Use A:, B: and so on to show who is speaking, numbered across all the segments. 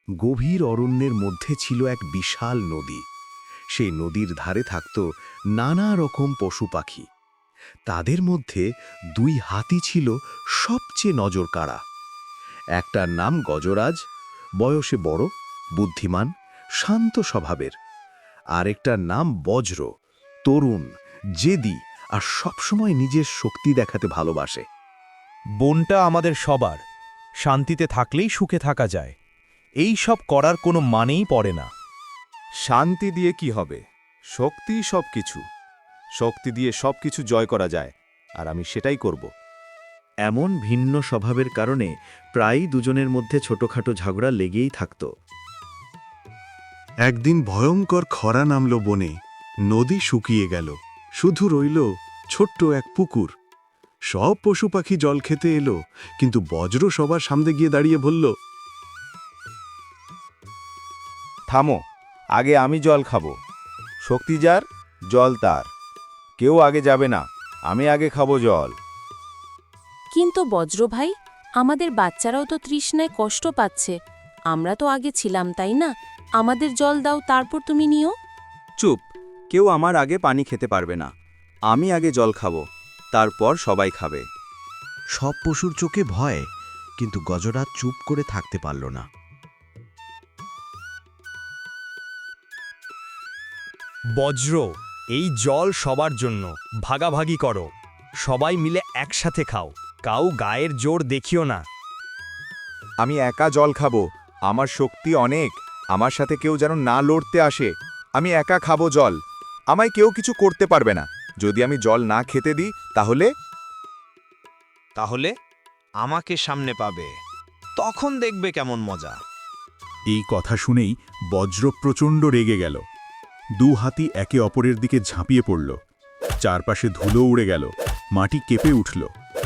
A: গভীর অরণ্যের মধ্যে ছিল এক বিশাল নদী। সেই নদীর ধারে থাকত নানা রকম পশু পাখি। তাদের মধ্যে দুই হাতি ছিল সবচেয়ে নজরকাড়া। একটার নাম গজরাজ, বয়সে বড়, বুদ্ধিমান, শান্ত স্বভাবের। আরেকটার নাম বজ্র, তরুণ, জেদি আর সবসময় নিজের শক্তি দেখাতে ভালোবাসে।
B: বনটা আমাদের সবার, শান্তিতে থাকলেই সুখে থাকা যায়। এই সব করার কোনো মানেই পড়ে না।
C: শান্তি দিয়ে কি হবে? শক্তি সবকিছু। শক্তি দিয়ে সবকিছু জয় করা যায়, আর আমি সেটাই করব।
A: এমন ভিন্ন স্বভাবের কারণে প্রায়ই দুজনের মধ্যে ছোটখাটো ঝগড়া লেগেই থাকত। একদিন ভয়ঙ্কর খরা নামল বনে। নদী শুকিয়ে গেল, শুধু রইল ছোট্ট এক পুকুর। সব পশু পাখি জল খেতে এলো, কিন্তু বজ্র সবার সামনে গিয়ে দাঁড়িয়ে বলল,
C: থামো, আগে আমি জল খাবো। শক্তি যার, জল তার। কেউ আগে যাবে না, আমি আগে খাবো জল।
D: কিন্তু বজ্র ভাই, আমাদের বাচ্চারাও তো তৃষ্ণায় কষ্ট পাচ্ছে। আমরা তো আগে ছিলাম, তাই না? আমাদের জল দাও, তারপর তুমি নিও।
C: চুপ, কেউ আমার আগে পানি খেতে পারবে না। আমি আগে জল খাবো, তারপর সবাই খাবে।
A: সব পশুর চোখে ভয়, কিন্তু গজরাজ চুপ করে থাকতে পারল না।
B: বজ্র, এই জল সবার জন্য, ভাগাভাগি করো। সবাই মিলে একসাথে খাও, কাউ গায়ের জোর দেখিও না।
C: আমি একা জল খাবো, আমার শক্তি অনেক। আমার সাথে কেউ যেন না লড়তে আসে। আমি একা খাবো জল, আমায় কেউ কিছু করতে পারবে না। যদি আমি জল না খেতে দিই,
E: তাহলে আমাকে সামনে পাবে, তখন দেখবে কেমন মজা।
F: এই কথা শুনেই বজ্র প্রচণ্ড রেগে গেল। দু হাতি একে অপরের দিকে ঝাঁপিয়ে পড়ল। চারপাশে ধুলো উড়ে গেল, মাটি কেঁপে উঠল।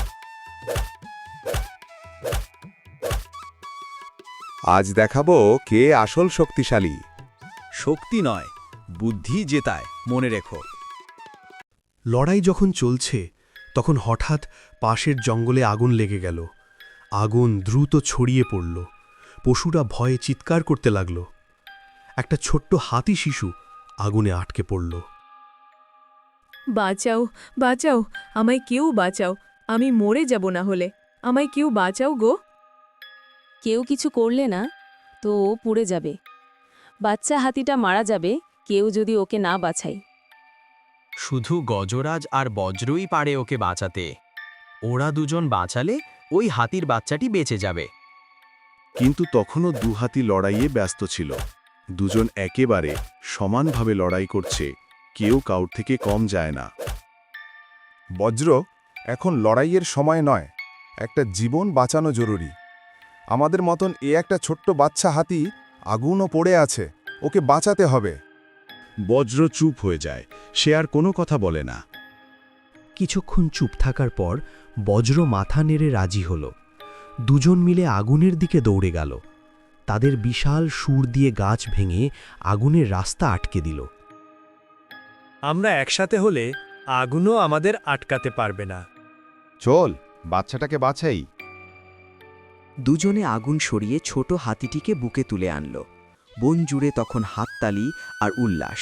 C: আজ দেখাবো কে আসল শক্তিশালী।
B: শক্তি নয়, বুদ্ধি জেতায়, মনে রেখো।
G: লড়াই যখন চলছে, তখন হঠাৎ পাশের জঙ্গলে আগুন লেগে গেল। আগুন দ্রুত ছড়িয়ে পড়ল। পশুরা ভয়ে চিৎকার করতে লাগল। একটা ছোট্ট হাতি শিশু আগুনে আটকে পড়ল।
H: বাঁচাও, বাঁচাও, আমায় কেউ বাঁচাও, আমি মরে যাব না হলে। আমায় কেউ বাঁচাও গো।
D: কেউ কিছু করলে না তো ও পুড়ে যাবে। বাচ্চা হাতিটা মারা যাবে কেউ যদি ওকে না বাঁচায়।
E: শুধু গজরাজ আর বজ্রই পারে ওকে বাঁচাতে। ওরা দুজন বাঁচালে ওই হাতির বাচ্চাটি বেঁচে যাবে।
A: কিন্তু তখনও দু হাতি লড়াইয়ে ব্যস্ত ছিল। দুজন একেবারে সমানভাবে লড়াই করছে, কেউ কাউর থেকে কম যায় না।
C: বজ্র, এখন লড়াইয়ের সময় নয়, একটা জীবন বাঁচানো জরুরি। আমাদের মতন একটা ছোট্ট বাচ্চা হাতি আগুনও পড়ে আছে, ওকে বাঁচাতে হবে।
A: বজ্র চুপ হয়ে যায়, সে আর কোনো কথা বলে না।
G: কিছুক্ষণ চুপ থাকার পর বজ্র মাথা নেড়ে রাজি হল। দুজন মিলে আগুনের দিকে দৌড়ে গেল। তাদের বিশাল সুর দিয়ে গাছ ভেঙে আগুনের রাস্তা আটকে দিল।
B: আমরা একসাথে হলে আগুনও আমাদের আটকাতে পারবে না।
C: চল, বাচ্চাটাকে বাঁচাই।
I: দুজনে আগুন সরিয়ে ছোট হাতিটিকে বুকে তুলে আনল। বন জুড়ে তখন হাততালি আর উল্লাস।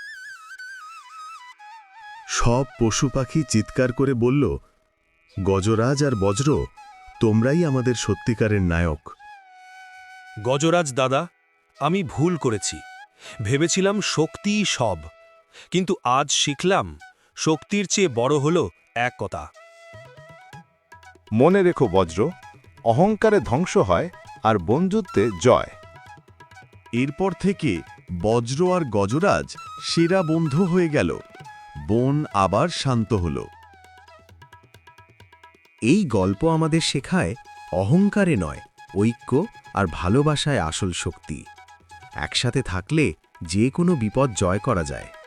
A: সব পশু পাখি চিৎকার করে বলল, গজরাজ আর বজ্র, তোমরাই আমাদের সত্যিকারের নায়ক।
B: গজরাজ দাদা, আমি ভুল করেছি। ভেবেছিলাম শক্তিই সব, কিন্তু আজ শিখলাম শক্তির চেয়ে বড় হলো এক কথা।
C: মনে রেখো বজ্র, অহংকারে ধ্বংস হয় আর বন্ধুত্বে জয়।
A: এরপর থেকে বজ্র আর গজরাজ সেরা বন্ধু হয়ে গেল। বন আবার শান্ত হল। এই গল্প আমাদের শেখায়, অহংকারে নয়, ঐক্য আর ভালোবাসায় আসল শক্তি। একসাথে থাকলে যে কোনো বিপদ জয় করা যায়।